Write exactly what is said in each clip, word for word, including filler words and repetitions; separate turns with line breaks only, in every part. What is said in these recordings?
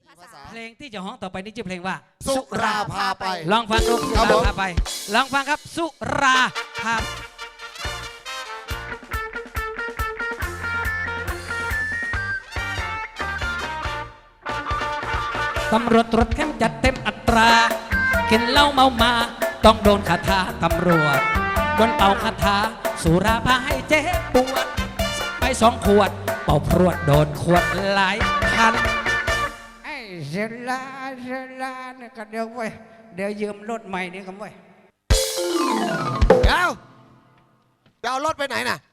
เพลงที่จะฮ้องต่อไปนี้ชื่อเพลงว่า
สุราพาไป
ลองฟังดูสุราพาไปลองฟังครับสุราพาตำรวจตรวจเข้มจัดเต็มอัตรากินเหล้าเมามาต้องโดนคาถาตำรวจโดนเป่าคาถาสุราพาให้เจ็บปวดไปสองขวดเป่าพรวดโดนขวดหลายพันไอ้เซลาเซลาเนี่ยก็เดี๋ยวเว้ยเดี๋ยวยืมรถใหม่นี่กันเว้ย
เดี๋ยวจะเอารถไปไหนน่ะ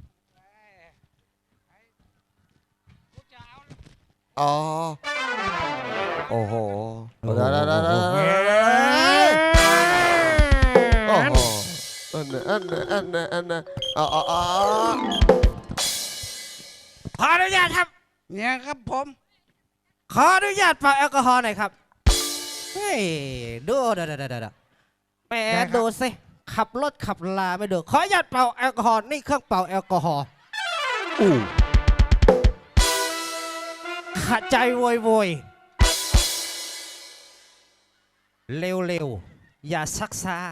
อ๋อโอ้โหโอ้โหโอ้โหอันนั้นอันนั้นอันนั้นอันนั้นอ๋ออ๋อ
ขออนุญาตครับเนี่ยครับผมขออนุญาตเป่าแอลกอฮอล์หน่อยครับเฮ้ยดูเดี๋ยวเดี๋ยวเดี๋ยวแหมดูสิขับรถขับลาไม่ดูขออนุญาตเป่าแอลกอฮอล์นี่เครื่องเป่าแอลกอฮอล์อู้ขัดใจโวยโวยเร็วเร็วอย่าซักซา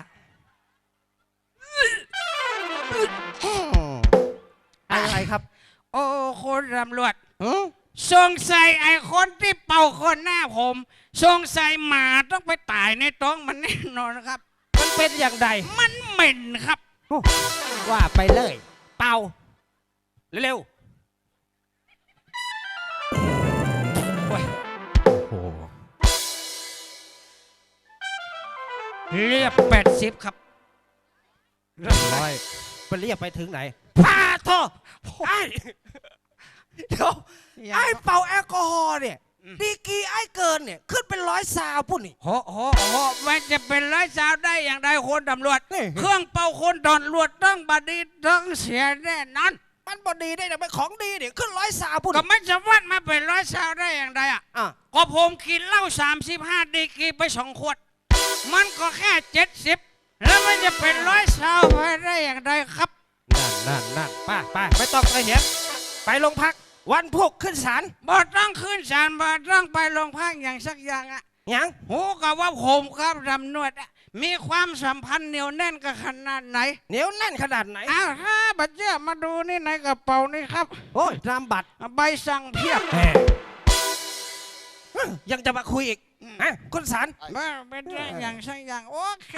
อะไรครับ
โอ้คนตำรวจสงสัยไอ้คนที่เป่าคนหน้าผมสงสัยหมาต้องไปตายในท้องมันแน่นอนครับ
มันเป็นอย่างไร
มันเหม็นครับ
ว่าไปเลยเป่าเร็ว
เรียบแปดสิบครับ
ร้อยไปเรียบไปถึงไหนพาโทษไอ้เดี๋ยวไอ้เป่าแอลกอฮอล์เนี่ยดีกีไอ้เกินเนี่ยขึ้นเป็นร้อยซาวปุ่นนี่
โหโหโหมันจะเป็นร้อยซาวได้อย่างไรคนตำรวจเครื่องเป่าคนตำรวจต้องบดีต้องเสียแน่นอน
มันบดีได้แต่เป็นของดีเนี่ยขึ้นร้อยซาวปุ่น
ก็ไม่จะวัดมาเป็นร้อยซาวได้อย่างไรอ่ะก็ผมกินเหล้าสามสิบห้าดีกีไปสองขวดมันก็แค่เจ็ดสิบแล้วมันจะเป็นร้อยซาวไปได้อย่างไรครับ
นั่นนั่นนั่นป้าป้าไม่ต้องไปเห็นไปโรงพักวันพุธขึ้นศาล
บ่ต้องขึ้นศาลบ่ต้องไปโรงพักอย่างสักอย่างอ่ะ
ยัง
หูกับว่าผมครับตำรวจมีความสัมพันธ์เหนียวแน่นกันขนาดไหน
เหนียวแน่นขนาดไหน
อ้าวถ้าบัตรเจ้ามาดูนี่ในกระเป๋านี่ครับ
โอ้ยนามบัตร
ใบสั่งเพียบ
ยังจะมาคุยอีกฮะคุณศาล
มาเป็นอย่างสักอย่างโอเค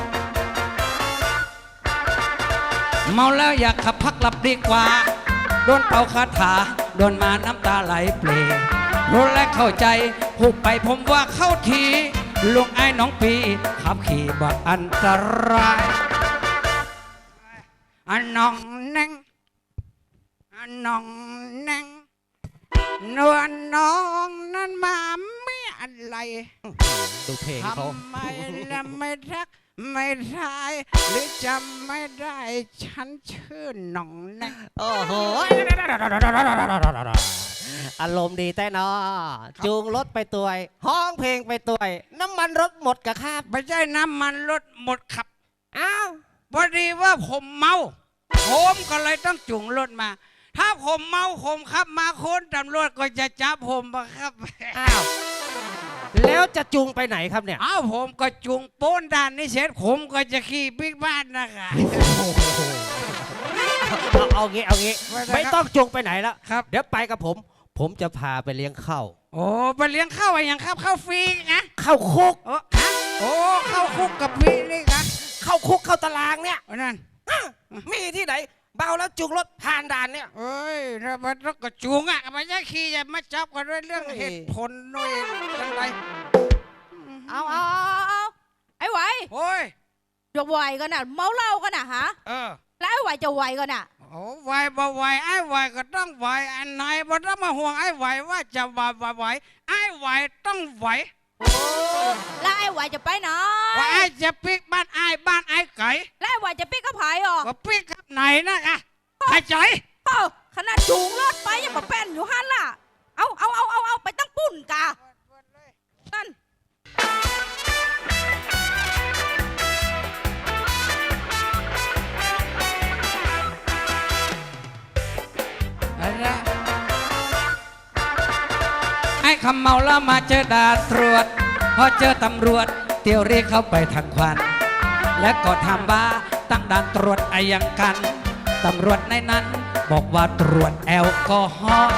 เมาแล้วอยากขับพักหลับดีกว่าโดนเป่าคาถาโดนมาน้ำตาไหลเปล่งรู้และเข้าใจผูกไปผมว่าเข้าทีลุงไอ้น้องปีขับขี่บ่อันตรายอันน้องแนงอันน้องแนงนวลน้องนั้นมาไม่อะไร
ดูเพลงเขา
ทำไมละไม่รักไม่ได้หรือจำไม่ได้ฉันชื่อหน่องแนง
โอ้โหอารมณ์ดีแต่นอจูงรถไปตัวห้องเพลงไปตัวน้ำมันรถหมดกะครับ
ไม่ใช่น้ำมันรถหมดขับ
อ้าว
พอดีว่าผมเมาผมก็เลยต้องจูงรถมาถ้าผมเมาผมขับมาคนตำรวจก็จะจับผมมาครับ
อ้าวแล้วจะจูงไปไหนครับเนี่ย
อ้าวผมก็จูงโป้นด้านนี้เสร็จผมก็จะขี่บิ๊กบ้านนะคะ
เอาเอางี้เอางี้ไม่ต้องจูงไปไหนแล้ว
ครับ
เดี๋ยวไปกับผมผมจะพาไปเลี้ยงข้าว
โอ้ไปเลี้ยงข้าวอะไรอย่างครับข้าวฟรีนะ
ข้าวคุก
โอ้ฮะโอ้ข้าวคุกกับพี่นี่ครับ
ข้าวคุกข้าวตารางเนี่ย
นั่น
มีที่ไหนเบาแล้วจูงรถผ่านด่านเนี่ย
เอ้ยถ้ามันก็จูงอ่ะไม่ใช่ขี่จะมาจับกันด้วยเรื่องเหตุผลด้วยอะไร
เอาเอาเอาไอ้ไหว
โอ้ย
จะไหวกันน่ะเมาเหล้ากันน่ะฮะ
เออ
แล้วไอ้ไหวจะไหวกันน่ะ
โอ้ไหวบ่ไหวไอ้ไหวก็ต้องไหวอันไหนบ่ต้องมาห่วงไอ้ไหวว่าจะไหวไหวไอ้ไหวต้องไหว
โอ้แล้วไอ้ไหวจะไปไหน
ว่าไอ้จะปิกบ้านไอ้บ้านไอ้ไก่
แล้วไอ้ไหวจะปิกกับไผ่หรอ
ก็ปิกกับไหนนะอ่ะใครใจ
เอ้าขนาดจูงรถไปยังมาเป็นอยู่ฮั่นล่ะเอาเอาเอาเอาเอาไปตั้งปุ่นกานั่น
ไอ้อ้คำเมาแล้วมาเจอด่านตรวจ พอเจอตำรวจเตียวเรียกเข้าไปทางควัน และก็ถามว่าตั้งด่านตรวจอะไรยังกันตำรวจในนั้น บอกว่าตรวจแอลกอฮอล์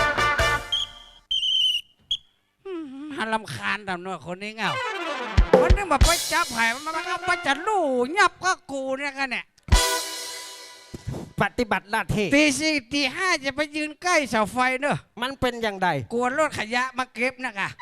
ฮันลำคาญตำรวจคนนี้เงาวันนี้มาไปจับไผ่มันมันก็มาจัดลู่ยับก็กูเนี่ยกันเนี่ย
ปฏิบัติหน้าที่
ตีสี่ตีห้าจะไปยืนใกล้เสาไฟเนอะ
มันเป็นอย่างไร
กลัวรถขยะมาเก็บนะกะ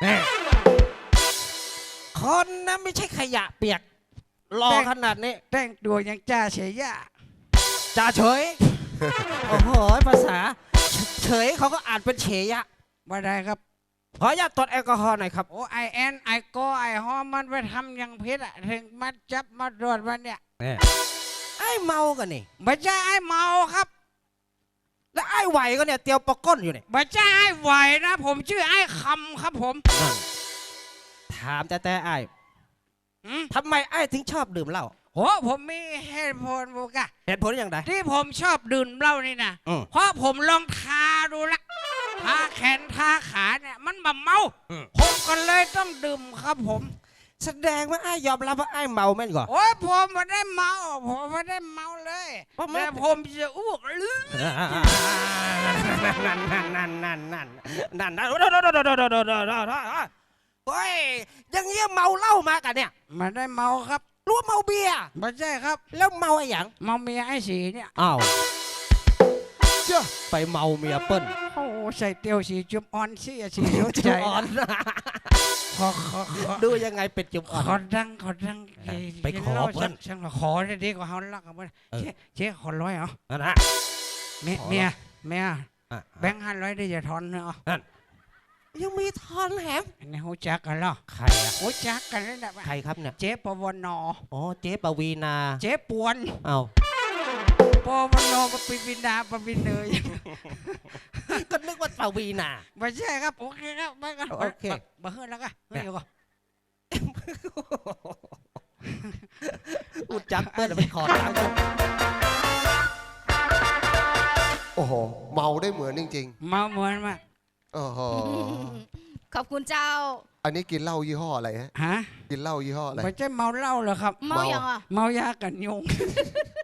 คนนะไม่ใช่ขยะเปียกรอขนาดนี้
แต่งตัวยังจ้าเฉยยะ
จ่าเฉย โอ้โหภาษา เฉยเขาก็อ่านเป็นเฉยอะ
ว่าได้ครับ
ขออนุญาตตรวจแอลกอฮอล์หน่อยครับ
โอ้ไอแอนไอโกไอฮอมมันไปทำอย่างพิษอะถึงมาจับมาตรวจมันเนี่ย
ไอ้เมากันนี่
ไม่ใช่ไอเมาครับ
แล้วไอ้ไหวก็เนี่ยเตียวปะก้นอยู่เนี่ย
ไม่ใช่ไอไหวนะ ผมชื่อไอคำครับผม
ถามแต่แต่ไอ้
อืม
ทำไมไอ้ถึงชอบดื่มเหล้า
โหผมมีเหตุผลบุกะ
เหตุผลอย่างไร
ที่ผมชอบดื่มเหล้านี่นะ
อืม
เพราะผมลองทาดูละทาแขนทาขาเนี่ยมันแบบเมา
อืม
ผมก็เลยต้องดื่มครับผม
แสดงว่าไอ้ยอมรับว่าไอ้เมาแม่นก่อน
โอ้ยผมไม่ได้เมา ผมไม่ได้เมาเลย
เพราะมัน
แต่ผมจะอ้วกลือ
นั่นนั่นนั่นนั่นนั่นนั่นนั่นโอ้ยยังเงี้ยเมาเหล้ามากันเนี่ย
ไม่ได้เมาครับ
รู้ว่าเมาเบียร์
ไม่ใช่ครับ
แล้วเมาไอ้หยัง
เมาเมียไอ้สีเนี่ย
อ้าวเจ้าไปเมาเมียเปิ้ล
โอ้ใส่เตียวสีจุ่มอ่อนสีสีเขียวใจ
จุ๊บอ่อน
ขอขอขอ
ดูยังไงเป็นจุ๊บอ่อน
ขอดังขอดัง
ไปขอเพิ่น
ช่างขอได้ดีกว่าเขาลักกันเพื่อน
เออ
เจ๊เจ๊ขอร้อยเหรอ
นั่นนะ
เมีย
ขอ
เมียเมีย
อ่ะ
แบงค์ห้าร้อยได้จะทอนเนาะ
ยังมีทอนแหม
อันนี้หูจักกันเหรอ
ใครอะ
หูจักกันแล้วนะ
ใครครับเนี่ย
เจ๊ปวนอ
อ๋อเจ๊ปวีนา
เจ๊ปวน
เอา
ปวนอปปิบินาปปินเนย
ก็นึกว่าปวีนา
ไม่ใช่ครับโอเคครับไม่กัน
โอเค
มาเฮือนแล้วก็เฮ้ยเดี๋ยวก่อน
อุดจักเปิ้ลไปขอทางกัน
โอ้โห เมาได้เหมือนจริง
เมาเหมือนมาก
ๆโอ้โห
ขอบคุณเจ้า
อันนี้กินเหล้ายี่ห้ออะไรฮะ
ฮะ
กินเหล้ายี่ห้ออะไร
ไม่ใช่เมาเหล้าเหรอครับ
เมาอย่างอ่ะ
เมายากันยุง